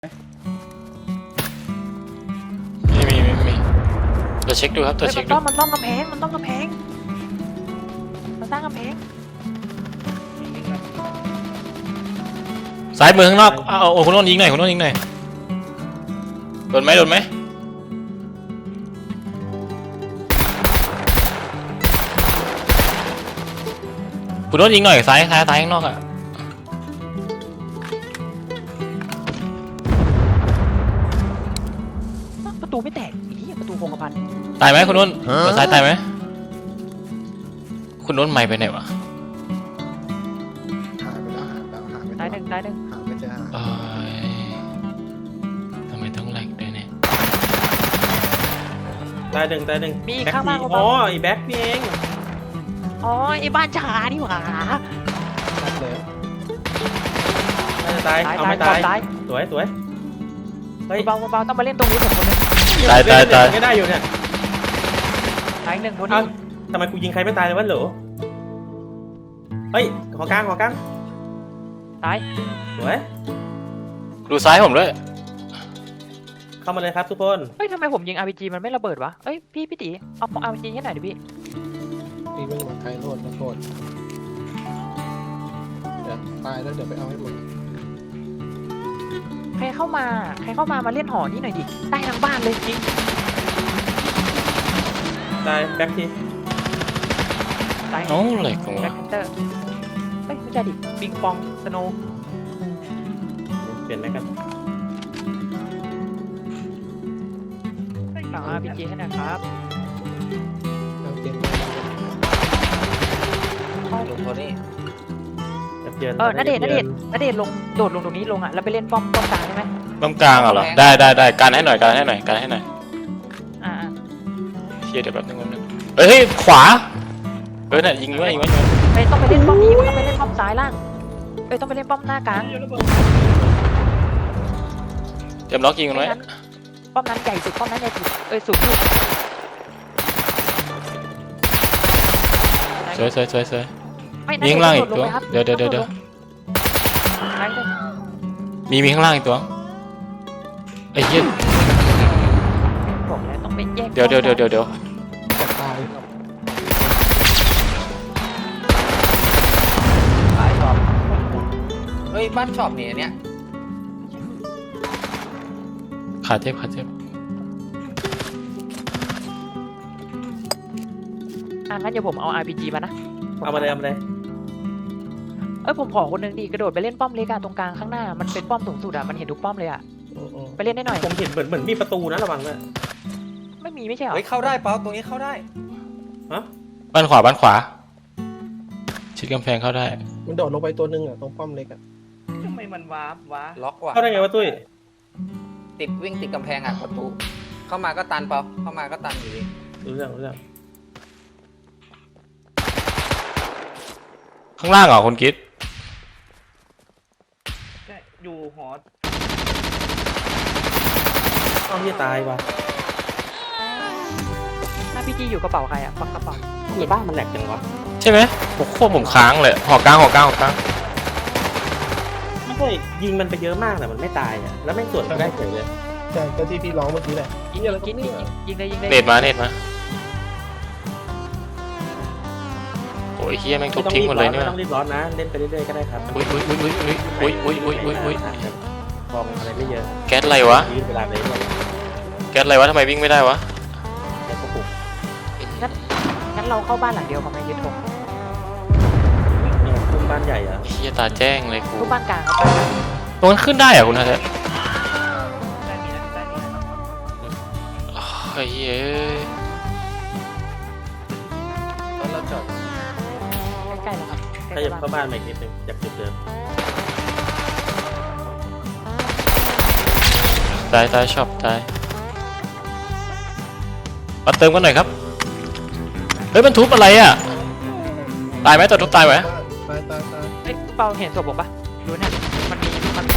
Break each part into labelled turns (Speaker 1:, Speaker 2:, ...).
Speaker 1: ไม่มีตัวเช็คดูครับตัวเช็คดู
Speaker 2: มันต้องกำแพงมันสร้างกำแพง
Speaker 1: ซ้ายมือข้างนอกโอ้คุณโดนยิงหน่อยคุณโดนยิงหน่อยโดนไหมคุณโดนยิงหน่อยซ้ายข้างนอกอ่ะ
Speaker 2: ประตูไม่แตกอีประตูโครงกระพัน
Speaker 1: ตายไหมคุณโดนซ้ายตายไหมคุณโดนไม่ไปไหนวะ
Speaker 3: หายไปแล้ว
Speaker 2: ตายหนึ่ง
Speaker 3: หาไม่เจอ
Speaker 1: ทำไมต้องแหลกด้วยเนี่ย
Speaker 4: ตายหนึ่ง
Speaker 2: มีข้างล่าง
Speaker 4: อ๋อไอ้แบ็คนี่เอง
Speaker 2: อ๋อไอ้บ้านชานี่หว่า
Speaker 3: ชัดเลย
Speaker 4: น่าจะตายเอาไม่ตายสวยเฮ้ย
Speaker 2: เบาต้องมาเล่นตรงนี้ผมคนนึง
Speaker 1: ตาย
Speaker 4: ไม่ได้อยู่เนี่ย
Speaker 2: ตายหนึ่งคน
Speaker 4: เอ้า
Speaker 2: นี้
Speaker 4: ทำไมกูยิงใครไม่ตายเลยวะเหรอเฮ้ยขอกลาง
Speaker 2: ตาย
Speaker 4: สวย
Speaker 1: ดูซ้ายผมด้วย
Speaker 4: เข้ามาเลยครับทุกคน
Speaker 2: เฮ้ยทำไมผมยิง RPG มันไม่ระเบิดวะเอ้ยพี่ตีเอา RPG ให้หน่อยดิพี่
Speaker 3: นี่ไม่มาใครโทษนะโทษเดี๋ยวตายแล้วเดี๋ยวไปเอาให้หมด
Speaker 2: ใครเข้ามามาเล่นหอนี่หน่อยดิได้ทั้งบ้านเลยจริง
Speaker 4: ตายแบ็คที
Speaker 2: ตาย
Speaker 1: โอ้แหลกของ
Speaker 2: แบ็
Speaker 1: วะ
Speaker 2: คแพนเตอร์เฮ้ยไม่ใช่ดิปิงปองสโนว์
Speaker 4: เปลี่ยนไหมกัน
Speaker 2: เอา RPG ให้หน่อยครับ
Speaker 3: เอาเกม
Speaker 5: ลงโทนี่
Speaker 2: ณเดชน์ลงโดดลงตรงนี้ลงอ่ะแล้วไปเล่นป้อมกลางได้ไหม
Speaker 1: ตรงกลางเหรอได้การให้หน่อย
Speaker 2: อ่า
Speaker 1: เชียร์เดี๋ยวแป๊บนึงเฮ้ยขวาเนี่ยยิงไว้
Speaker 2: ไปต้องไปเล่นป้อมนี้ต้องไปเล่นป้อมซ้ายล่างต้องไปเล่นป้อมหน้ากลาง
Speaker 1: เตรียมล็อกยิงมันไว้
Speaker 2: ป้อมนั้นใหญ่สุดป้อมนั้นใหญ่สุดสูงสุด
Speaker 1: สวยมีข้างล่างอีกตัวเดี๋ยวมีข้างล่างอีกตัวไอ้เหี้ย
Speaker 2: บอกแล้วต้องไปแยก
Speaker 1: เดี๋ยว
Speaker 3: จะตาย
Speaker 5: บ้านช็อปเฮ้ยบ้านช็อปเนี่ยเนี้ย
Speaker 1: ขาเจ็บ
Speaker 2: งั้นเดี๋ยวผมเอา RPG มานะ
Speaker 4: เอามาเลย
Speaker 2: ผมขอคนนึงดิกระโดดไปเล่นป้อมเล็กอะตรงกลางข้างหน้ามันเป็นป้อมสูงสุดอะมันเห็นทุกป้อมเลยอะไปเล่นได้หน่อย
Speaker 4: ผมเห็นเหมือนมีประตูนะระวังนะ
Speaker 2: ไม่ใช่เหรอ
Speaker 5: เฮ้ยเข้าได้เปล่าตรงนี้เข้าได้
Speaker 1: บ้านขวาชิดกำแพงเข้าได้
Speaker 3: มันโดดลงไปตัวนึงอ่ะตรงป้อมเล็กอ่ะ
Speaker 6: ทำไมมันวาร์ปวะ
Speaker 5: ล็อกว่ะ
Speaker 4: เข้าได้ไงวะตุ้ย
Speaker 5: วิ่งติดกำแพงอ่ะประตูเข้ามาก็ตันเปล่าเข้ามาก็ตันอยู่ดี
Speaker 4: รู้เรื่อง
Speaker 1: ข้างล่างเหรอคุณกิ๊ด
Speaker 6: ใช่อยู่หอ
Speaker 4: อ้าวที่ตายว่ะ
Speaker 2: RPG อยู่กระเป๋าใครอะกระเป๋า
Speaker 4: ในบ้านมันแหลกจังวะ
Speaker 1: ใช่ไหมผมค้างเลยหอกลาง
Speaker 4: ไม่ใช่ยิงมันไปเยอะมากแต่มันไม่ตายอ่ะแล้วไม่สวนไม่ได้เฉยเลย
Speaker 3: ใช่ก็ที่พี่ร้องเมื่อกี้แหละ
Speaker 2: ยิงเลย
Speaker 1: เนตมาโอ้ยเฮียแม่งทุบทิ้งหมดเลยเนี่ย
Speaker 4: ไม่ต้องรีบร้อนนะเล่นไปเรื่อยๆก็ได้ครับ
Speaker 1: อุ้ย
Speaker 4: ฟองอะไรไม่เยอะ
Speaker 1: แก๊สอะไรวะ
Speaker 4: ยืดเวลาเลย
Speaker 1: ทำไมวิ่งไม่ได้วะ
Speaker 4: แล้วก็ปลุก
Speaker 2: งั้นเราเข้าบ้านหลังเดียวกับนายยึดธง
Speaker 4: เนี่ยคุมบ้านใหญ่เหรอ
Speaker 1: เฮียตาแจ้งเลยกู
Speaker 2: ทุกบ้านกลางครับ
Speaker 1: ตรงนั้นขึ้นได้เหรอคุณฮะเนี่ย
Speaker 6: ได้มีนะ
Speaker 1: เฮ้ย
Speaker 5: แล้วเราจอด
Speaker 2: ใกล้ๆแล้วครับ
Speaker 4: ถ้าอยากเข้าบ้านใหม่นิดนึงจากจุดเดิม
Speaker 1: ตายชอบตายมาเติมกันหน่อยครับเฮ้ยมันทุบอะไรอ่ะตายไหมตัวทุบตายไหม
Speaker 3: ตาย
Speaker 2: เปาเห็นศพผมปะดูเนี่ยมันมี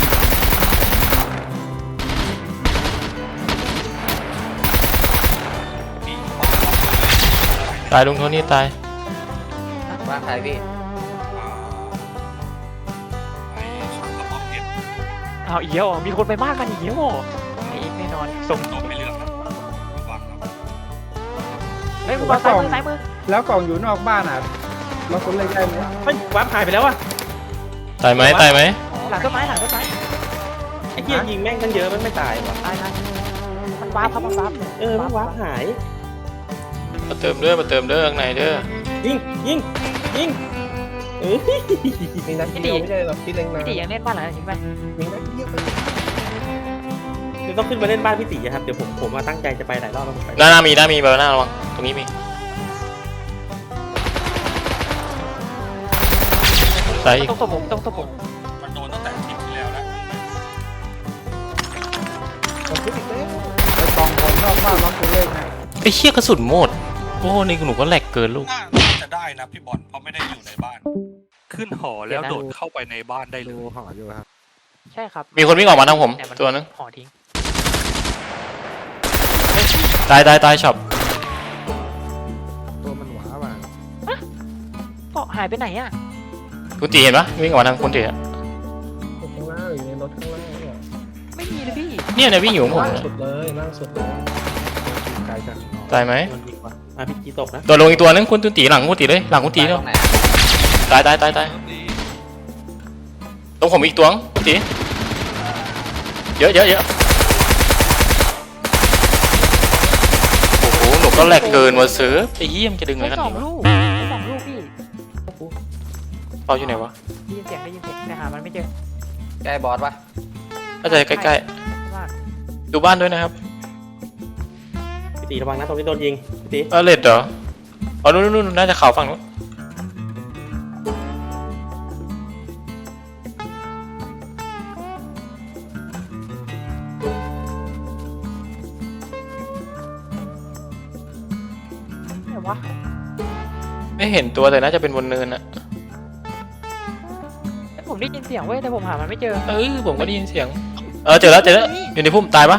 Speaker 1: ตายลุงโทนี่ตาย
Speaker 5: บ้านใครพี่
Speaker 2: ฮะเอาอีกแล้วเหรอมีคนไปบ้านมันอีกแล้วเหรอไอ้เอ็กแน่นอนส่ง
Speaker 7: โดนไม่เลือกนะระวังนะ
Speaker 2: เฮ้ยมึงวางซ้ายมือซ้ายมือ
Speaker 8: แล้วกล่องอยู่นอกบ้านอ่ะเราคนเล็กได้ไหม
Speaker 4: เฮ้ยวาร์ปหายไปแล้วอะ
Speaker 1: ตายไหมตายไหม
Speaker 2: หลังต้นไม้หลังต้นไม้
Speaker 4: ไอ้เหี้ยยิงแม่งตั้งเยอะมันไม่ตายว่ะ
Speaker 2: ตายนะมันวาร์ปครับมันวาร์ป
Speaker 4: มันวาร์ปหาย
Speaker 1: มาเติมเด้อมาเติมเด้อข้างในเด้อ
Speaker 4: ยิงเออ
Speaker 3: มีนัดเดียวไม่ใช่หรอกพี่เล็งนา
Speaker 2: พี่ตียังเล่นบ้านหลังนั้นอยู่ไหม
Speaker 3: มีนัดเดียวไป
Speaker 4: เดี๋ยวต้องขึ้นมาเล่นบ้านพี่ตีครับเดี๋ยวผมมาตั้งใจจะไปหลายรอบแล้วผมไป
Speaker 1: หน้ามีเบอร์หน้าระวังตรงนี้มีซ้ายอีก
Speaker 2: ต้องตบผม
Speaker 7: มันโดนตั้งแต่คลิปที่แล้วแล้ว
Speaker 3: ผมพูดอีกแล้ว
Speaker 8: ไปกล่องคนนอกบ้านล็อกคนเล็กนะ
Speaker 1: ไอ้เชี่ยกระสุนหมดโอ้นี่หนูก็แหลกเกินลูก
Speaker 7: น่าจะได้นะพี่บอลเพราะไม่ได้อยู่ในบ้าน ขึ้นหอแล้วโดดเข้าไปในบ้านได้เลย
Speaker 8: หออยู่ครับ
Speaker 2: ใช่ครับ
Speaker 1: มีคนวิ่งออกมาทางผม
Speaker 2: แต่มั
Speaker 1: ตัวนึง
Speaker 2: ห่อทิ้ง
Speaker 1: ตายช็อป
Speaker 8: ตัวมันหวาว่ะ
Speaker 2: ก็หายไปไหนอ่ะ
Speaker 1: คุณตีเห็นปะวิ่งออกมาทางคุณตีอะ
Speaker 3: ข้างล่างอยู่ในรถข้างล่างเนี่ย
Speaker 2: ไม่มีเลยพี่
Speaker 1: เนี่ยวิ่งอยู่ของผม
Speaker 3: ล่าง
Speaker 1: เนี่ย
Speaker 3: สุดเลยล่างสุดเลย
Speaker 8: ไกลจัง
Speaker 1: ตายไหม
Speaker 4: มันยิงว่ะพี่จีตกนะ
Speaker 1: ตัวลงอีกตัวนึงคุณตีหลังคุณตีเลยหลังคุณตี
Speaker 5: ตาย
Speaker 1: แล้
Speaker 5: ต
Speaker 1: ว
Speaker 5: รงไหน
Speaker 1: ตายตรงผมอีกตัวคุณตีเยอะโอ้โหหนูก็แหลกเกินมาซื้อไอ้เหี้ยมนจะดึงอะไร
Speaker 2: ใช้
Speaker 1: กัน
Speaker 2: สอง
Speaker 1: นี่วะ
Speaker 2: ลูกใช้สองลูกพี่
Speaker 1: เปาอยู่ไหนวะ
Speaker 2: ได้ยินเสียงแต่หามันไม่เจอ
Speaker 5: แกบอสปะ
Speaker 1: น่าจะใกล้
Speaker 2: มาก
Speaker 1: ๆดูบ้านด้วยนะครับ
Speaker 4: พี่ตีระวังนะตรงนี้โดนยิงพี่ตี
Speaker 1: เลดเหรออ๋อนู่นน่าจะเขาฝั่งนู้น
Speaker 2: ไหนวะ
Speaker 1: ไม่เห็นตัวแต่น่าจะเป็นบนเนินอะ
Speaker 2: ผมได้ยินเสียงเว้ยแต่ผมหามันไม่เจอ
Speaker 1: ผมก็ได้ยินเสียงเจอแล้วอยู่ในพุ่มตายปะ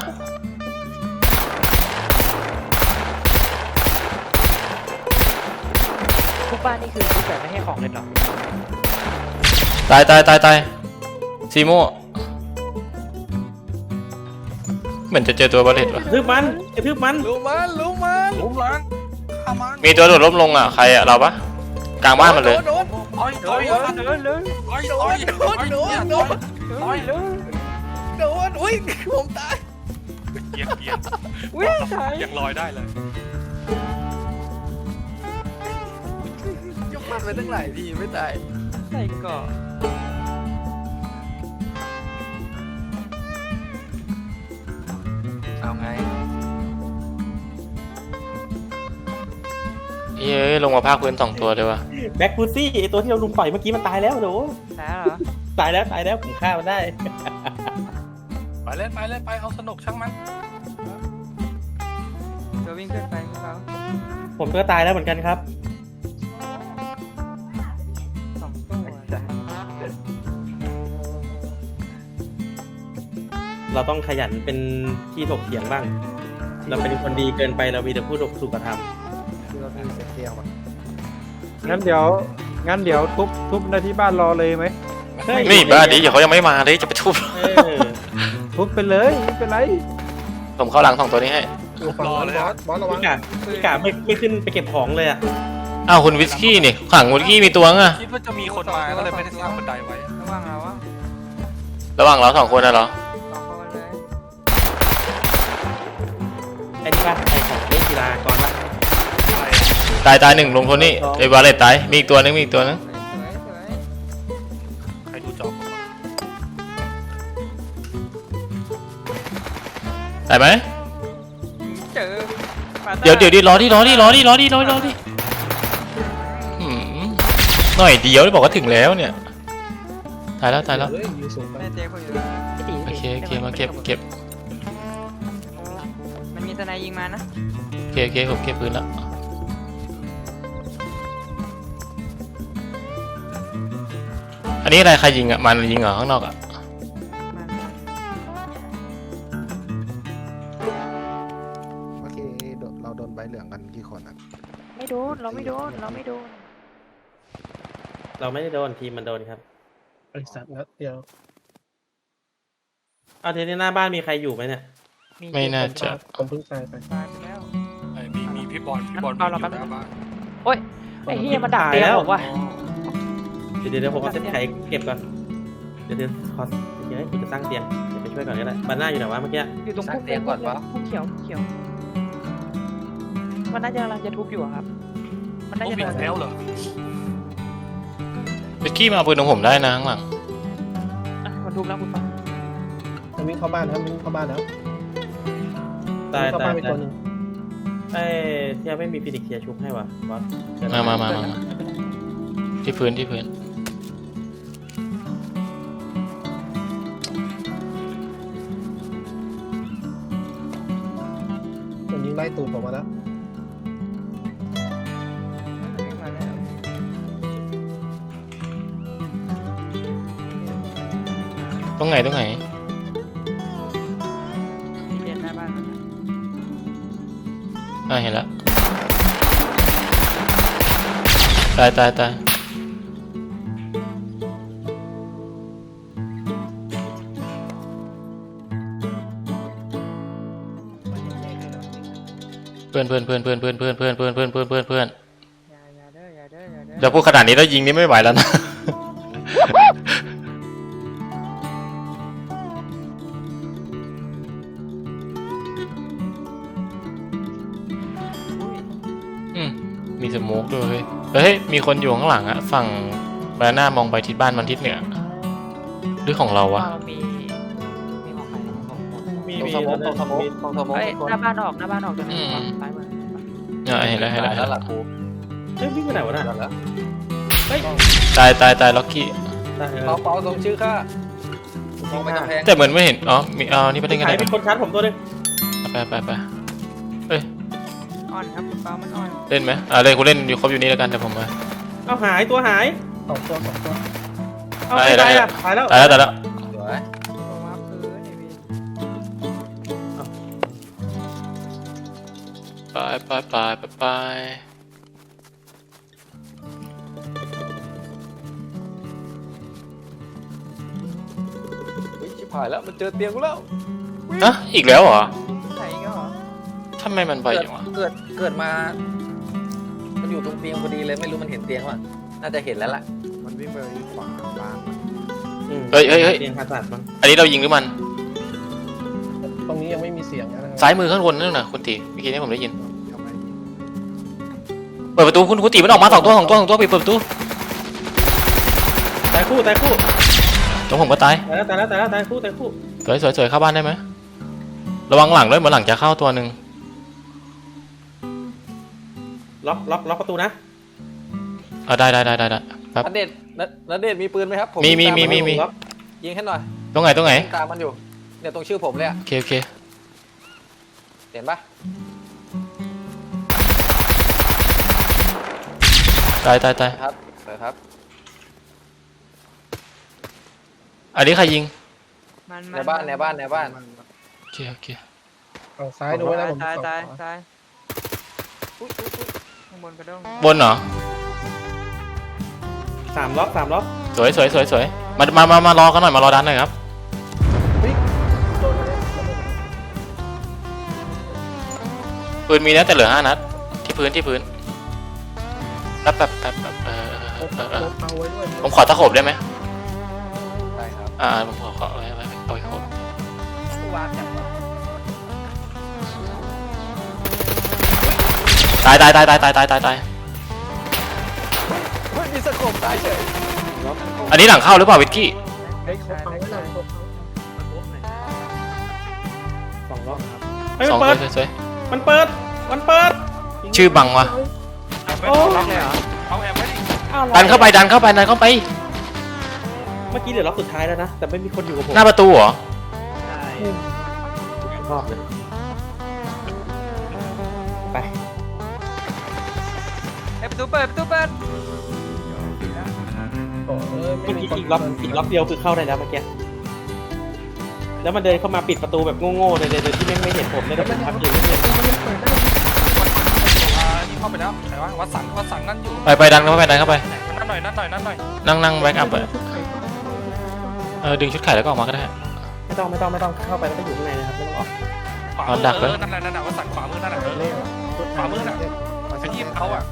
Speaker 2: ทุกบ้านนี่คือทุกแบบไม่ให้ของเลยเหรอ
Speaker 1: ตายซีโม่เหมือนจะเจอตัวบอลเลตวะ
Speaker 4: กระทืบมัน
Speaker 7: รู้มันข้ามัน
Speaker 1: มีตัวโดดล้มลงอ่ะใครอ่ะเราปะกลางบ้านมันเลย
Speaker 7: โดนอ้อยโดนอุ้ยผมตายเกียง
Speaker 2: วิ่งใช่
Speaker 7: ยังลอยได้เลยยกมันไปตั้งหลายทีไม่ตาย
Speaker 2: ใส่ก่อน
Speaker 5: เอาไง
Speaker 1: เย้ยลงมาภาคพื้น2ตัวเลยวะ
Speaker 4: แบ็คพูซี่ไอตัวที่เราลุมต่อยเมื่อกี้มันตายแล้วโด
Speaker 2: แล้วเหรอ
Speaker 4: ตายแล้วผมฆ่ามันได้
Speaker 7: ไปเล่นไปเอาสนุกช่างมัน
Speaker 2: เราวิ่งขึ้นไปเขา
Speaker 4: ผมก็ตายแล้วเหมือนกันครับ
Speaker 2: สองตัว
Speaker 4: เราต้องขยันเป็นที่ถกเถียงบ้าง เราเป็นคนดีเกินไปเรามีแต่พูดถูกกระท
Speaker 8: คือเรามีเสียงเดียวอ่ะงั้นเดี๋ยวทุบในที่บ้านรอเลยไหม
Speaker 4: ำเฮ้ย
Speaker 1: นี่บ้านนี้เดี๋ยวเขายังไม่มาเลยจะไปทุบ
Speaker 4: เออ
Speaker 8: ทุบไปเลยไม่เป็นไร
Speaker 1: ผมเข้าหลัง2ตัวนี้ให้
Speaker 3: อยู่ฝั่งนั้นบอสระวัง
Speaker 4: พี่กาไม่ขึ้นไปเก็บของเลยอ่ะ
Speaker 1: อ้าวคุณวิสกี้นี่ขังวิสกี้มีตัวอ่ะ
Speaker 7: คิดว่าจะมีคนมาก็เลยไม่ได้สร้างบันไดไว้
Speaker 2: ระวังเราวะ
Speaker 1: ระหว่างเรา2คนนะเหรอ
Speaker 2: สองคนเลย
Speaker 4: ไอ้นี่ป่ะไอ้ของเล่นกีฬากรป่ะ
Speaker 1: ตาย1ลงโทนี่ไอ้บาเลตตายมีอีกตัวนึง
Speaker 2: สวย
Speaker 7: ใครดูจอบ
Speaker 1: ตายไหม
Speaker 2: เจอ
Speaker 1: เดี๋ยวดิรอดิหืมหน่อยเดียวได้บอกว่าถึงแล้วเนี่ยตายแล้ว
Speaker 3: เฮ้ยอยู่สูงไป
Speaker 2: แม่เจ๊เขาอยู่
Speaker 1: โอเคมาเก็บ
Speaker 2: มันมีทนายยิงมานะ
Speaker 1: โอเคผมเก็บปืนแล้วอันนี้อะไรใครยิงอ่ะมันยิงเหรอข้างนอกอ่ะ
Speaker 8: โอเคเราโดนใบเหลืองกันกี่คนอ่ะ
Speaker 2: ไม่โดนเราไม่โดน
Speaker 4: เราไม่ได้โดนทีมมันโดนครับ
Speaker 3: ไอ้สัตว์นัดเดียว
Speaker 4: เอาทีนี้หน้าบ้านมีใครอยู่ไหมเนี่ย
Speaker 1: ไม่น่าจะ
Speaker 3: ผมเพิ่งตายไป
Speaker 2: ตายไปแล้ว
Speaker 7: มีพี่บอลพี่บอล
Speaker 2: เอาเรา
Speaker 7: อยู่
Speaker 2: แป๊บ
Speaker 7: หน้าบ้าน
Speaker 2: โอ๊ยไอ้เฮียมันดักเตียงผมว่ะ
Speaker 4: เดี๋ยวผมเอาเส้นไขเก็บก่อนเดี๋ยวขอเดี๋ยวกูจะตั้งเตียงเดี๋ยวไปช่วยก่อนก็ได้บ้านหน้าอยู่ไหนวะเมื่อกี้
Speaker 2: อยู่ตรงพุ่มเขียวเขียวมันน่าจะกำลังจะทุบอยู่อะครับ มันน่า
Speaker 7: โอ้
Speaker 2: จะ
Speaker 7: ปิด
Speaker 2: เดิน
Speaker 7: แล้วเหรอ
Speaker 1: เบกกี้มาเอาปืนของผมได้นะข้างหลัง
Speaker 2: อ่ะมันทุบแล้วคุณฟัง
Speaker 3: มันวิ่งเข้าบ้านครับวิ่งเข้าบ้านแล้ว
Speaker 4: ตาย
Speaker 3: วิ่งเข้า
Speaker 4: ตา
Speaker 3: บ้าย นไป
Speaker 4: ตา
Speaker 3: ตัวย หนึง
Speaker 4: เอ้ยที่ไม่มีฟินิกเคียร์ชุบให้วะบอส
Speaker 1: มาที่พื้น
Speaker 3: มันยิงไล่ตูดผมมาแล้ว
Speaker 1: ตรงไหน
Speaker 2: ที่เรียนหน้าบ้านมันนะ
Speaker 1: เห็นแล้วตายเพื่อน
Speaker 2: อย่าเด้ออย่าเด้ออย่าเด้อ
Speaker 1: จะพูดขนาดนี้แล้วยิงนี่ไม่ไหวแล้วนะ มีสโมกด้วยเฮ้ยมีคนอยู่ข้างหลังอะฝั่งบานาน่ามองไปทิศบ้านมันทิศเหนือหรือของเราวะ
Speaker 2: เรามีของใคร
Speaker 4: มี
Speaker 5: ตรงสมองตรงสมองตรงสมอง
Speaker 2: เอ้ยหน้าบ้านออกตรงนั้นซ้ายมือ
Speaker 1: เห็นแล้ว
Speaker 5: แล้วล่ะกู
Speaker 4: เฮ้ยวิ่งไปไหนวะน่ะ
Speaker 5: เดี๋ยวแล้ว
Speaker 1: ตายล็อกกี้
Speaker 5: เปาตรงชื่อข้ามองไปกำแพง
Speaker 1: แต่เหมือนไม่เห็นมีนี่ไปเล่นกัน
Speaker 4: ใคร
Speaker 1: ได้
Speaker 4: เป็นคนชาร์จผมตัวนึง
Speaker 1: ไปเอ้ย
Speaker 2: อ่อนครับคุณเปามันอ่อน
Speaker 1: เล่นไหมเล่นกูเล่นอยู่ครบอยู่นี่แล้วกันแต่ผมมา
Speaker 4: เอาหายตัวหาย
Speaker 3: สองตัว
Speaker 4: เอาไม่ตายอ่ะตายแล้ว
Speaker 1: ตายแล้ว
Speaker 5: สวย
Speaker 2: ตัววับพื้นไอ้พี่
Speaker 1: ไป
Speaker 5: ชิบหายแล้วมันเจอเตียงกูแล้ว
Speaker 1: อีกแล้วเหรอ
Speaker 2: ไหนก็เหรอ
Speaker 1: ทำไมมันไปอย่างวะ
Speaker 5: เกิดมามันอยู่ตรงเตียงพอดีเลยไม่รู้มันเห็นเตียงว่ะน่าจะเห็นแล้วล่ะ
Speaker 3: มันวิ่งไปขวาบ้าน
Speaker 1: เฮ้ย
Speaker 4: เตียงผ่าตัดมั้ง
Speaker 1: อันนี้เรายิงหรือมัน
Speaker 3: ตรงนี้ยังไม่มีเสียงนะครับ
Speaker 1: ซ้ายมือข้างบนนั่นน่ะคุณตีเมื่อกี้นี้ผมได้ยินเปิดประตูคุณตีมันออกมาสองตัวปิดประตู
Speaker 4: ตายคู่
Speaker 1: ตรงผมก็ตาย
Speaker 4: ตายแล้วตายคู่
Speaker 1: สวยเข้าบ้านได้ไหมระวังหลังด้วยเหมือนหลังจะเข้าตัวหนึ่ง
Speaker 4: ล็อกประตูนะ
Speaker 1: ได้ครับ
Speaker 5: ณเดชน์มีปืนไหมครับผม
Speaker 1: มี
Speaker 5: ยิงให้หน่อย
Speaker 1: ตรงไหน
Speaker 5: ตามมันอยู่เนี่ยตรงชื่อผมเลยอะ
Speaker 1: โอเค
Speaker 5: เห็นปะ
Speaker 1: ตาย
Speaker 5: ครับสวยครับ
Speaker 1: อันนี้ใครยิง
Speaker 5: ในบ้าน
Speaker 1: โอเค
Speaker 3: ฝั่งซ้ายดูไว้นะผม
Speaker 2: ตาย
Speaker 3: ฝั่งขว
Speaker 2: อุ้ยข้างบนกระด้ง
Speaker 1: บนเหรอ
Speaker 4: 3 ล็อก
Speaker 1: สวยมารอกันหน่อยมารอดันหน่อยครับ
Speaker 3: โดนแล้ว
Speaker 1: ปืนมีนะแต่เหลือ5 นัดที่พื้นแป๊บ
Speaker 3: เอาไว้ด้วย
Speaker 1: ผมขอตะขบได้ไหม
Speaker 5: ได้ครับ
Speaker 1: ผมขอเอาไว้ขบ
Speaker 2: ผู้วาร์ปจาก
Speaker 1: ตาย
Speaker 5: เฮ้ยมีสะโขบตายเฉย
Speaker 1: อันนี้หลังเข้าหรือเปล่าวิกกี้
Speaker 3: เฮ้ยเขาไว้หน่อยเขา
Speaker 4: 2 ล็อกครับเฮ้ย
Speaker 1: ส
Speaker 4: มั
Speaker 1: อง
Speaker 4: นเปิด
Speaker 1: สวย
Speaker 4: มันเปิด
Speaker 1: ชื่อบังวะ
Speaker 4: โอ้
Speaker 2: ล็อกเลยเหรอ
Speaker 7: เอาแอมไว้ดิ
Speaker 1: ดันเข้าไปดันเข้าไป
Speaker 4: เมื่อกี้เหลือล็อกสุดท้ายแล้วนะแต่ไม่มีคนอยู่กับผม
Speaker 1: หน้าประตูเหรอ
Speaker 6: ใช่
Speaker 4: รอบเลยไป
Speaker 2: ประตูเปิด
Speaker 3: โอ้ย
Speaker 4: เมื่อกี้อีกล็อกเดียวคือเข้าได้แล้วเมื่อกี้แล้วมันเดินเข้ามาปิดประตูแบบโง่ๆเลยโดยที่ไม่เห็นผมเลยแล้วผมพับอยู่เรื่อย
Speaker 7: นี่เข้าไปแล้วไหนวะวัดสังนั่นอยู่
Speaker 1: ไปดันเข้าไป
Speaker 7: นั่นหน่อย
Speaker 1: นั่งแบ็กอัพเลยดึงชุดไข่แล้วก็ออกมาก็ได้
Speaker 4: ไม่ต้องเข้าไปแล้วก็อยู่ข้างในนะครับไม่ต้องออก
Speaker 7: ขวามือนั่นแหละว่าสั่นขวามือนั่นแหละขวามือน่ะไปที่เขาอ่ะ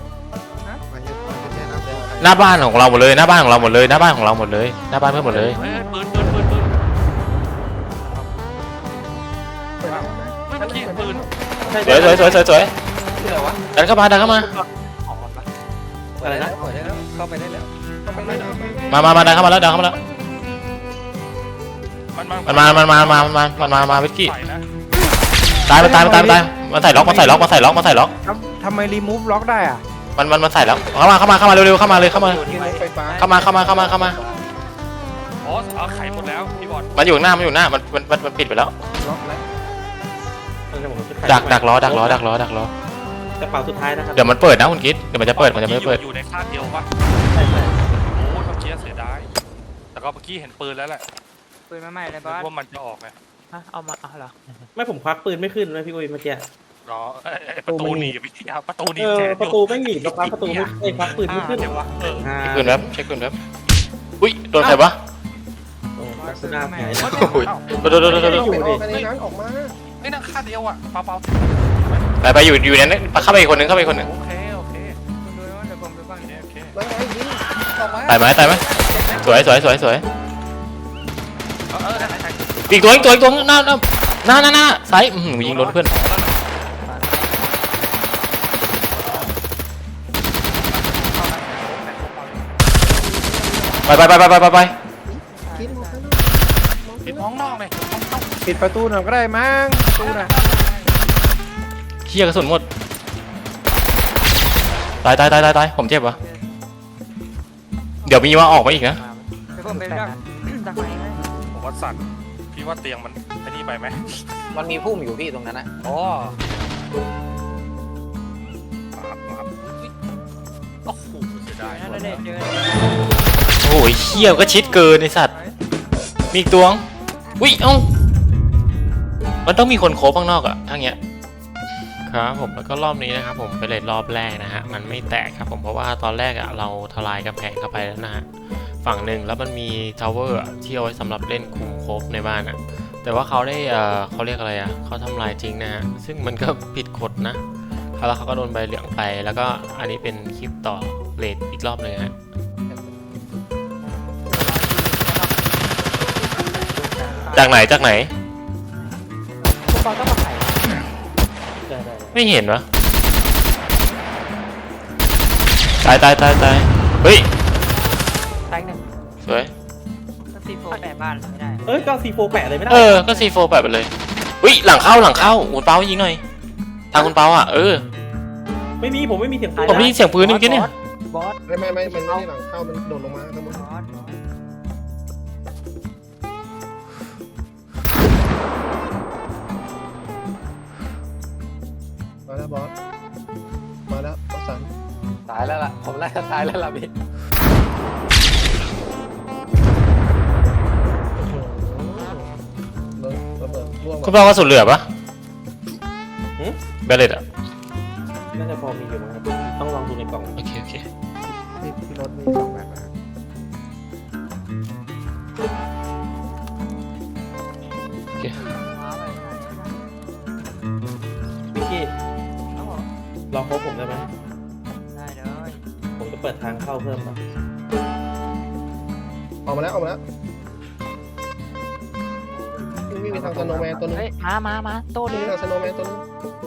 Speaker 1: หน้าบ้านของเราหมดเลยหน้าบ้านของเราหมดเลยหน้าบ้านของเราหมดเลยหน้าบ้านเพื่อนหมดเลย
Speaker 7: เฮ้ยปืนไม่เมื่อกี้ปืน
Speaker 1: สวย
Speaker 5: ชื่ออะไรวะ
Speaker 1: ดันเข้ามา
Speaker 4: อะไรนะ
Speaker 5: เปิดได้แล้วเข้าไปได้แล้ว
Speaker 1: มาดันเข้ามาแล้วมันมาเวกกี้
Speaker 7: ใส่นะ
Speaker 1: ตายมันใส่ล็อก
Speaker 8: ทำไมรีมูฟล็อกได้อ่ะ
Speaker 1: มันใส่แล้วเข้ามาเร็วเข้ามาเลยเข้ามา
Speaker 3: ไฟฟ้า
Speaker 7: อ๋อเอาไขหมดแล้วพี่บอล
Speaker 1: มันอยู่หน้ามันปิดไปแล้ว
Speaker 8: ล็อกแล้ว
Speaker 1: ดักล้อก
Speaker 4: ระเป๋าสุดท้ายนะครับ
Speaker 1: เดี๋ยวมันเปิดนะคุณกิ๊ดเดี๋ยวมันจะเปิดมันจะไม่เปิด
Speaker 7: อยู่ในคาดเดียวปะ
Speaker 4: ใช่
Speaker 7: โอ้เมื่อกี้เสียดายแต่ก็เมื่อกี้เห็นปืนแล้วแหละ
Speaker 6: ปืนมาใหม่เลยบอส
Speaker 7: ว่ามันจะออกไง
Speaker 2: เอามาเอาเหรอ
Speaker 4: ไม่ผมควักปืนไม่ขึ้นเลยพี่อุ้ยเมื่อกี้
Speaker 7: รอประตูหนีวิทยาประตูหนี
Speaker 4: เออ
Speaker 7: แก
Speaker 4: ประตูไม่หนีบแล้วควักประตูไม่ควักปืนไม่ขึ้น
Speaker 7: เดี๋ยววะ
Speaker 1: เช็คปืนแป๊บอุ้ยโดนใครวะ
Speaker 4: โอ้ลักษณะหาย
Speaker 1: โอ้ยโดน
Speaker 3: ออกไปในนั้นออกมา
Speaker 7: ไอ้นั่งคาดเดียวอ่ะเปล่า
Speaker 1: ไปอยู่นั้นเข้าไปอีกคนนึง
Speaker 7: โอเค
Speaker 6: ดูว่าเดี๋ยวผมไปบ้าง
Speaker 3: แล้วไงยิง
Speaker 5: ออกมา
Speaker 1: ตายไหมสวยอีกตัวหน้าซ้ายยิงโดนเพื่อนไป
Speaker 3: กินหมดแล้ว
Speaker 7: ปิดห้องนอกเลย
Speaker 8: ปิดประตูหน่อยก็ได้มั้งประตูน่ะ
Speaker 1: เขี้ยกระสุนหมดตายผมเจ็บวะเดี๋ยวมีว่าออกมาอีกนะ
Speaker 6: เดี๋ยวผมไปดักดักไหนให้
Speaker 7: ผมว่าสั่นพี่ว่าเตียงมันไอ้นี่ไปไหม
Speaker 5: มันมีพุ่มอยู่พี่ตรงนั้นนะ
Speaker 7: อ๋อโอ้โหเสียดาย
Speaker 6: นั่นเลยเจอ
Speaker 1: โอ้ยเขี้ยก็ชิดเกินไอสัตว์มีอีกตัวอุ้ยมันต้องมีคนโคบข้างนอกอะทั้งเงี้ยครับผมแล้วก็รอบนี้นะครับผมไปเลยรอบแรกนะฮะมันไม่แตกครับผมเพราะว่าตอนแรกอะเราทลายกำแพงเข้าไปแล้วนะฮะฝั่งหนึ่งแล้วมันมีทาวเวอร์ที่เอาไว้สำหรับเล่นคุมโคบในบ้านอะแต่ว่าเขาได้เขาเรียกอะไรอะเขาทำลายจริงนะฮะซึ่งมันก็ผิดกฎนะแล้วเขาก็โดนใบเหลืองไปแล้วก็อันนี้เป็นคลิปต่อเลทอีกรอบเลยฮะจากไหน
Speaker 2: พวกบอลก็มาไข่
Speaker 4: ได้
Speaker 1: ไม่เห็นวะตายเฮ้ย
Speaker 2: ตายหนึ่ง
Speaker 1: สวย
Speaker 6: ก็ซีโฟแปะบ้านไม่ได้
Speaker 4: เอ้ยก็ซีโฟแปะเลยไม่ได้
Speaker 1: ก็ซีโฟแบบไปเลยอุ้ยหลังเข้าคุณเปายิงหน่อยทางคุณเปา
Speaker 4: ไม่มีผมไม่มีเสียงปืน
Speaker 1: ผมได้ยินเสียงปืนเมื่อกี้เนี่ย
Speaker 2: บอส
Speaker 3: ไม่มันไม่ได้หลังเข้ามันโดดลงมาทั้งหมด
Speaker 6: บอส
Speaker 3: มาแล้วบอสมาแล้วบอสสัน
Speaker 5: ตายแล้วล่ะผมน่าจะตายแล้วล่ะพี่
Speaker 3: โดนระเบิดร่วง
Speaker 1: คุณเปากระสุนเหลือปะเบลเลตอะ
Speaker 4: น่าจะพอมีอยู่นะครับต้องลองดูในกล่อง
Speaker 1: โอเค
Speaker 3: ที่รถมี2แบบนะ
Speaker 4: พิกกี้รอครบผมได้ไหม
Speaker 6: ได้เลย
Speaker 4: ผมจะเปิดทางเข้าเพิ่มครับ
Speaker 3: ออกมาแล้ววิ่งไปทางสโนว์แมนตัวนึง
Speaker 2: เฮ้ยมาโต้เล
Speaker 3: วิ่ง
Speaker 2: ย
Speaker 3: ไปทางสโนว์แมนตัวนึง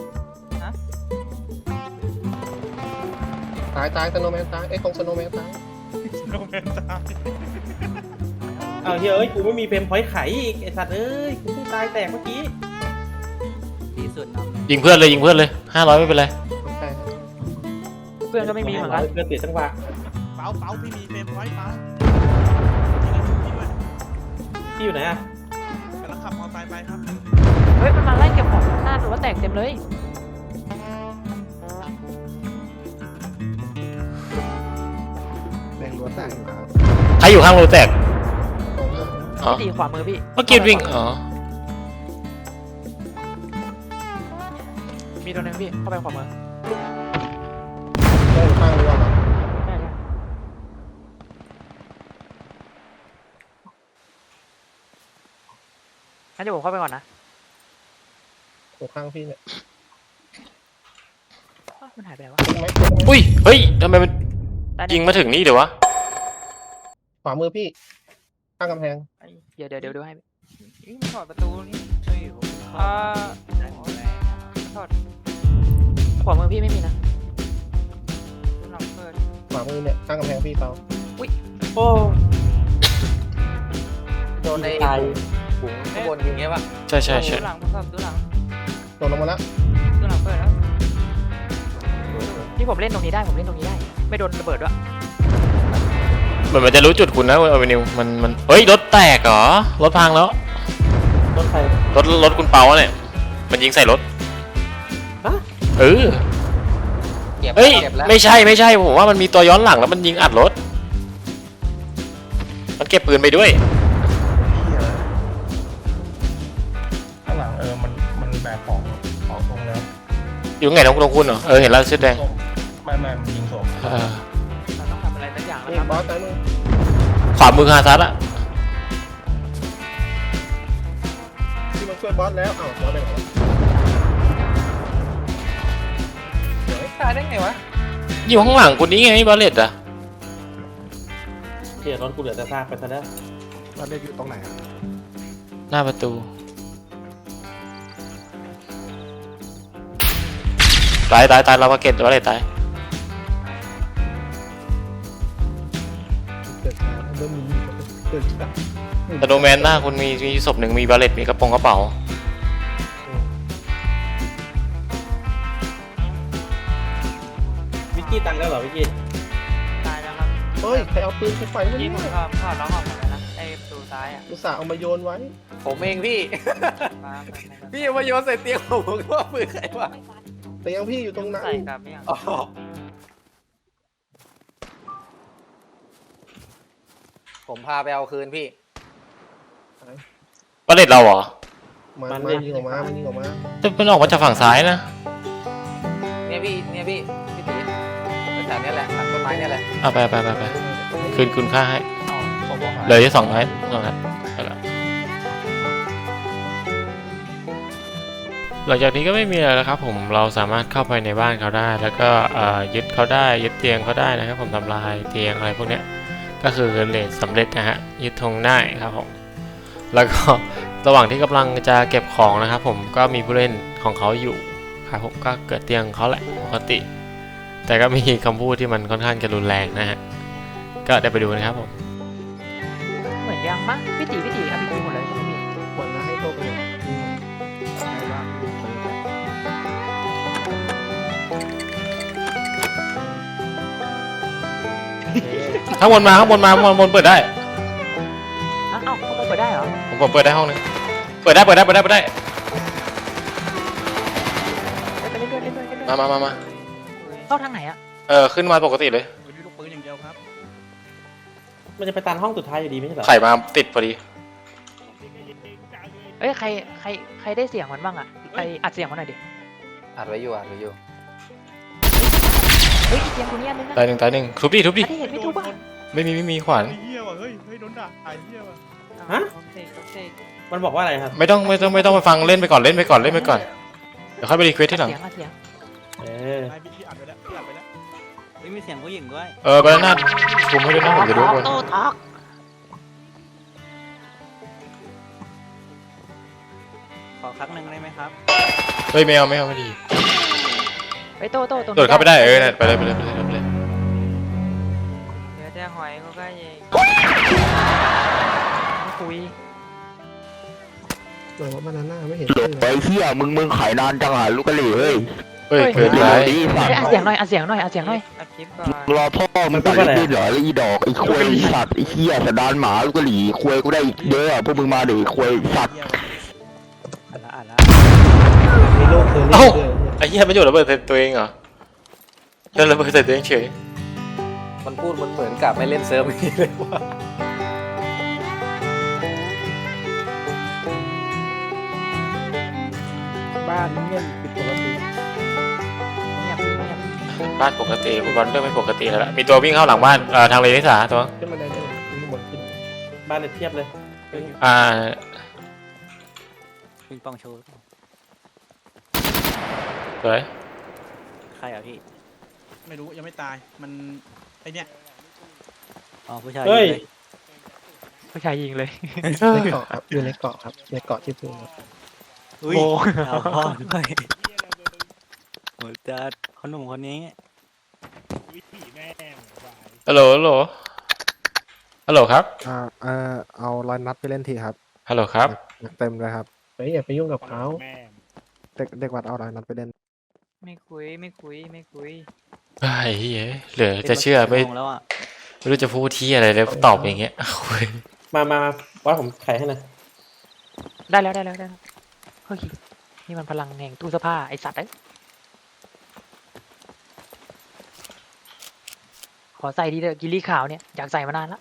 Speaker 3: ตายสโนว์แมนตายตรงสโนว์แมนตาย
Speaker 4: อ้าวเฮ้ยกูไม่มีเฟรมพอยต์ไขอีกไอสัตว์เอ้ยกูเพิ่งตายแตกเมื่อกี้
Speaker 6: ดีสุดเนาะ
Speaker 1: ยิงเพื่อนเลย500ไม่เป็นไร
Speaker 3: ใช่
Speaker 2: เพื่อนก็ไม่มีเหมือนกัน
Speaker 4: เพื่อนเสียจังหวะ
Speaker 6: เป๋าพี่มีเฟรมพอยต์เป๋า
Speaker 4: พี่อยู่ไหนอะ
Speaker 6: กำลังขับมอเตอร์ไซค์ไปครับ
Speaker 2: เฮ้ยมันมาไล่เก็บของหน้าหรือว่าแตกเต็มเลย
Speaker 3: แรงรัวแตกครับ
Speaker 1: ใครอยู่ข้างรูแตกอ๋อ
Speaker 2: ตีขวามือพี่
Speaker 1: เมื่อกี้วิ่งอ๋อ
Speaker 2: มีตัวนึงพี่เข้าไปขวามือ
Speaker 3: ข้างรัวเหรอ
Speaker 2: ใช่งั้นเดี๋ยวผมเข้าไปก่อนนะ
Speaker 3: ตรงข้างพี่เนี่ย
Speaker 2: อ้าวมันหายไปแล้ววะ
Speaker 3: ตรงไหมตรงไหม
Speaker 1: อุ้ยเฮ้ยทำไมมัน
Speaker 2: ได้
Speaker 1: ยิงมาถึงนี่เดี๋ยววะ
Speaker 3: ขวามือพี่ข้างกำแพง
Speaker 2: เดี๋ยวดูให้
Speaker 6: ถอดประตูนี่เฮ้ยผมเข้า
Speaker 2: อ่า
Speaker 6: ได้แล้ว
Speaker 2: ถอดขวามือพี่ไม่มีนะ
Speaker 6: หลังเปิด
Speaker 3: ขวามือเนี่ยข้างกำแพงพี่เปล่า
Speaker 4: โอ้
Speaker 5: โดนใน
Speaker 4: ตาย
Speaker 5: ถุงข้างบนยิงเงี้ยปะ
Speaker 1: ใช่ใช่ใช่
Speaker 6: ดูหลังดูหลัง
Speaker 3: โดนลงมาแล้ว
Speaker 6: ดูหลังเปิดแล้ว
Speaker 2: ที่ผมเล่นตรงนี้ได้ผมเล่นตรงนี้ได้ ไม่โดนระเบิดด้วย
Speaker 1: เหมือนมันจะรู้จุดคุณนะเอเวนิวมันเฮ้ยรถแตกเหรอรถพังแล้ว
Speaker 4: รถไฟ
Speaker 1: รถคุณเปาเนี่ยมันยิงใส่รถ
Speaker 4: ฮะ
Speaker 1: เออ
Speaker 5: เก็บ
Speaker 1: เฮ้ย
Speaker 5: เก็บแล้ว
Speaker 1: ไม่ใช่ผมว่ามันมีตัวย้อนหลังแล้วมันยิงอัดรถมันเก็บปืนไปด้วย
Speaker 9: ข้างหลังมันแบกของตรงแล้ว
Speaker 1: อยู่ไงน้องคุณเหรอเห็นแล้วเสื้อแดง
Speaker 9: ไม่มันยิงศพ
Speaker 1: เออ
Speaker 6: เราต้องทำอะไรสักอย่างแล้ว
Speaker 3: นี่
Speaker 6: ครับ
Speaker 3: บอสซ้ายมือ
Speaker 1: ขวามือฮาซัดอะ
Speaker 3: ที่มันช่วยบอสแล้วอ้าวบอสไปไหนวะ
Speaker 5: ตายได้ไงวะ
Speaker 1: อยู่ข้างหลังคุณนี้ไงบาเลตอะ
Speaker 4: เกียร์รถกูเหลือแต่ซากไปซะแล้ว
Speaker 3: บอสได้อยู่ตรงไหนอะ
Speaker 1: หน้าประตูตายเรามาเก็ตบาเลตตาย
Speaker 3: เกิดช้าเริ่มมีเกิดช้า
Speaker 1: แต่โดแมนหน้าคุณมีศพหนึ่งมีบาเลตมีกระเป๋า
Speaker 4: วิกกี้ตังค์แล้วเหรอวิกกี้
Speaker 6: ตายแล้วครับ
Speaker 3: เฮ้ยใครเอาปืนไปไฟไว้
Speaker 6: ยิ
Speaker 3: เนี่
Speaker 6: ง
Speaker 3: ย
Speaker 6: ผมก็ถอดล็อกออกหมดแล้วนะไอ้ประตูซ้ายอ่ะ
Speaker 3: อุตส่าห์เอามาโยนไว้
Speaker 5: ผมเองพี่
Speaker 6: มา
Speaker 5: พี่เอามาโยนใส่เตียงผมก็ว่าปืนใครวะ
Speaker 3: แต่ยังพี่อยู่ตรงนั้น
Speaker 6: ใส่กลับไม่ยัง
Speaker 5: อ๋อผมพาไปเอาคืนพี่
Speaker 1: บาเลตเราเหรอ
Speaker 3: มันยิงออกมามันยิงออกมา
Speaker 1: แต่มันออกมาจากฝั่งซ้ายนะ
Speaker 5: เนี่ยพี่ตีแถวๆเนี้ยแหละหลังต้นไม้เนี่ยแหละ
Speaker 1: เอาไปคืนคุณค่าให้
Speaker 9: ศพหาย
Speaker 1: เลยที่2 นัดไปละหลังจากนี้ก็ไม่มีอะไรแล้วครับผมเราสามารถเข้าไปในบ้านเขาได้ แล้วก็ยึดเขาได้ยึดเตียงเขาได้นะครับผมทำลายเตียงอะไรพวกเนี้ยก็คือเลทสำเร็จนะฮะยึดธงได้ครับผมแล้วก็ระหว่างที่กำลังจะเก็บของนะครับผมก็มีผู้เล่นของเขาอยู่ครับผมก็เกิดเตียงเขาแหละปกติ แต่ก็มีคำพูดที่มันค่อนข้างจะรุนแรงนะฮะก็ได้ไปดูนะครับผม
Speaker 2: เหมือนยังมั้งพี่ตีเอาพี่ตีหมดเลยใช่ไหมพี่
Speaker 3: ควรนะให้โตไปเลยใช่บ้าง
Speaker 1: ข้างบนมาเปิดได้
Speaker 2: อ้าวเขาเปิดได้เหรอ
Speaker 1: ผมเปิดได้ห้องนึงเปิดได้
Speaker 2: ไปเล่นด้วย
Speaker 1: มา
Speaker 2: เข้าทางไหนอะ
Speaker 1: ขึ้นมาปกติเลย
Speaker 6: วันนี้ลูกปืนอย่างเดียวครับ
Speaker 4: มันจะไปตันห้องสุดท้ายอยู่ดีไม่ใช่เหรอ
Speaker 1: ไข่มาติดพอดี
Speaker 2: เอ้ยใครได้เสียงมันบ้างอะไปอัดเสียงมันหน่อยดิ
Speaker 5: อัดไว้อยู่
Speaker 2: เฮ้ยเสียงตัวนี้อันนึงนะ
Speaker 1: ตายหนึ่งทุบดิ
Speaker 2: อันที่เห็นไม่ทุบอ่ะ
Speaker 1: ไม่มีขวาน
Speaker 6: เฮี้ยว่ะเฮ้ยโดนด่าไอ้เฮี้ยว่ะ
Speaker 4: ฮะ
Speaker 6: เสก
Speaker 4: มันบอกว่าอะไรครับ
Speaker 1: ไม่ต้องไปฟังเล่นไปก่อนเดี๋ยวค่อยไปรีเควสที่หลัง
Speaker 2: เสียงอะเสียง
Speaker 4: เออ
Speaker 6: ไอ้พี่อัดไปแล้วมีเสียงผู้หญิงด้วย
Speaker 1: บานาน่าคุมให้ด้วยนะผมจะดูบน
Speaker 2: โต้ทอก
Speaker 6: ขอครั้งหนึ่งได้ไหมครับ
Speaker 1: เฮ้ยไม่เอาไม่ดี
Speaker 2: ไปโต้ตรงนี้
Speaker 1: โดดเข้าไปได้นั่นไปเลย
Speaker 6: เดี๋ยวจะหอยเขาก็ยิง
Speaker 2: คุย
Speaker 3: หน่อยว่าบานาน่าไม่เห็น
Speaker 10: ไอ้เหี้ยมึงขายนานจังอ่ะลูกกะหรี่เฮ้ย
Speaker 1: เฮ้ยเกินไป
Speaker 10: ดีสัต
Speaker 2: เฮ้ย
Speaker 10: ว์
Speaker 2: อัดเสียงหน่อยอัดเสียงหน่อย
Speaker 6: อัดคลิปก่อน
Speaker 10: รอพ่อมึงตัดลิ้นเหรอแล้วอีดอกไอ้ควยสัตว์ไอ้เหี้ยสะดานหมาลูกกะหรี่ควยกูได้อีกเยอะอ่ะพวกมึงมาดิควยสัตว์
Speaker 6: อัดละ
Speaker 3: มีโลกเธอ
Speaker 1: เอ้า
Speaker 3: เรื่อย
Speaker 1: ไอ้เหี้ยไม่หยุดระเบิดใส่ตัวเองเหรอเล่นระเบิดใส่ตัวเองเฉย
Speaker 5: มันพูดมันเหมือนกับไม่เล่นเซิร์ฟนี้เลยว่า
Speaker 8: บ้านเงียบผิดปกติ
Speaker 2: เงียบ
Speaker 1: บ้านปกติคุณบอลเริ่มไม่ปกติแล้วล่ะมีตัววิ่งเข้าหลังบ้านทางเลนิสาตัว
Speaker 3: ขึ้นมาได้เลยขึ้นบนขึ้น
Speaker 4: บ้านเนี่ยเทียบเลย
Speaker 1: อ่า
Speaker 6: ปิงปองโชว์
Speaker 1: สวย
Speaker 6: ใครอ่ะพี่
Speaker 4: ไม่รู้ยังไม่ตายมันไอเนี้ย
Speaker 6: อ๋อผู้ชาย
Speaker 4: เฮ้ย
Speaker 6: เลย
Speaker 2: ผู้ชายยิงเลย
Speaker 3: ในเกาะครับอยู่ในเกาะครับในเกาะที่พื้นครับ
Speaker 6: อุ้ย
Speaker 2: โอ้
Speaker 6: เอาพ่อด้วยโหจัดคนหนุ่มคนนี้
Speaker 1: ฮัลโหลฮัลโหลฮัลโหลครับ
Speaker 8: เอาร้อยนัดไปเล่นทีครับ
Speaker 1: ฮัลโหลครับ
Speaker 8: เต็มเลยครับ
Speaker 3: เฮ้ยอย่าไปยุ่งกับเขา
Speaker 8: เด็กวัดเอาร้อยนัดไปเล่น
Speaker 6: ไม่คุยไม่คุยไม่คุย
Speaker 1: ไอ้เหี้ยเหลือจะเชื่อไม่
Speaker 6: ป็นชั่วโงแล้วอ่ะ
Speaker 1: ไม่รู้จะพูดที่อะไรเลยตอบอย่างเงี้ยโอ้ย
Speaker 4: มาว่าผมไขให้หนะ
Speaker 2: ได้แล้วเฮ้ยนี่มันพลังแห่งตู้เสื้อผ้าไอสัตว์เอ้ยขอใส่ดีเถอะกิลลี่ขาวเนี่ยอยากใส่มานานละ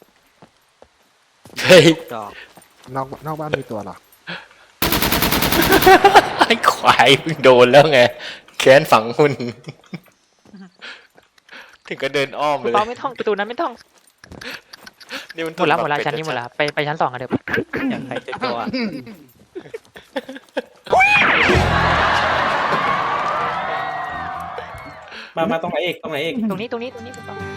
Speaker 1: เฮ้ย
Speaker 6: จอก
Speaker 8: นอกบ้านมีตัวเหรอ
Speaker 1: ไอ้ควายมึงโดนแล้วไงแค้นฝังหุ่นถึงก็เดินอ้อม
Speaker 2: คุณ
Speaker 1: เลย
Speaker 2: เปาไม่ท่องประตูนั้นไม่ท่อง
Speaker 1: นี่มัน
Speaker 2: หมดแล้ว
Speaker 1: แบบ
Speaker 2: ชั้นนี้หมดแล้วไปชั้น2กันเถอะ
Speaker 6: อยากใครจะตัวอ่ะ
Speaker 4: มาตรงไหนเอก
Speaker 2: ตรงนี้คุณเปา